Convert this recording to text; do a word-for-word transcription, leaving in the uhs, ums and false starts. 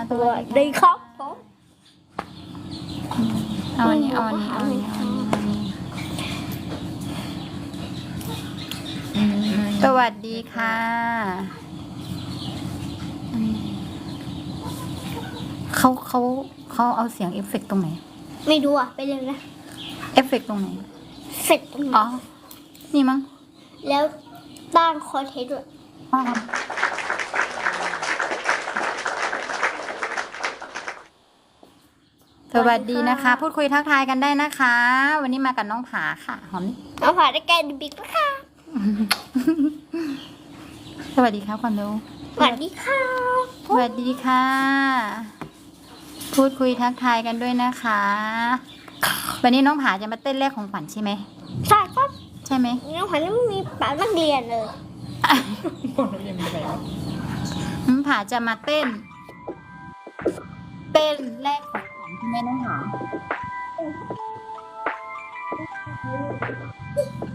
สวัสดีครับผมเอาอันนี้เอาอันนี้เอาอันนี้เอาอันนี้สวัสดีค่ะเขาเขาเขาเอาเสียงเอฟเฟกต์ตรงไหนไม่ดูอ่ะไปเลยนะเอฟเฟกต์ตรงไหนเสร็จตรงไหนอ๋อ นี่มั้งแล้วตั้งคอนเทนต์ด้วยอ๋อสวัสดีนะคะ พูดคุยทักทายกันได้นะคะ วันนี้มากับน้องผาค่ะ หอมเอาผ่านได้แกนบิ๊กนะคะสวัสดีครับความเร็วสวัสดีค่ะสวัสดีค่ะ พูดคุยทักทายกันด้วยนะคะ วันนี้น้องผาจะมาเต้นแรกของขวัญใช่ไหมใช่ครับใช่ไหมน้องขวัญไม่มีปานักเรียนเลยน้องผาจะมาเต้น เต้นแรกของขวัญใช่ไหมน้องผา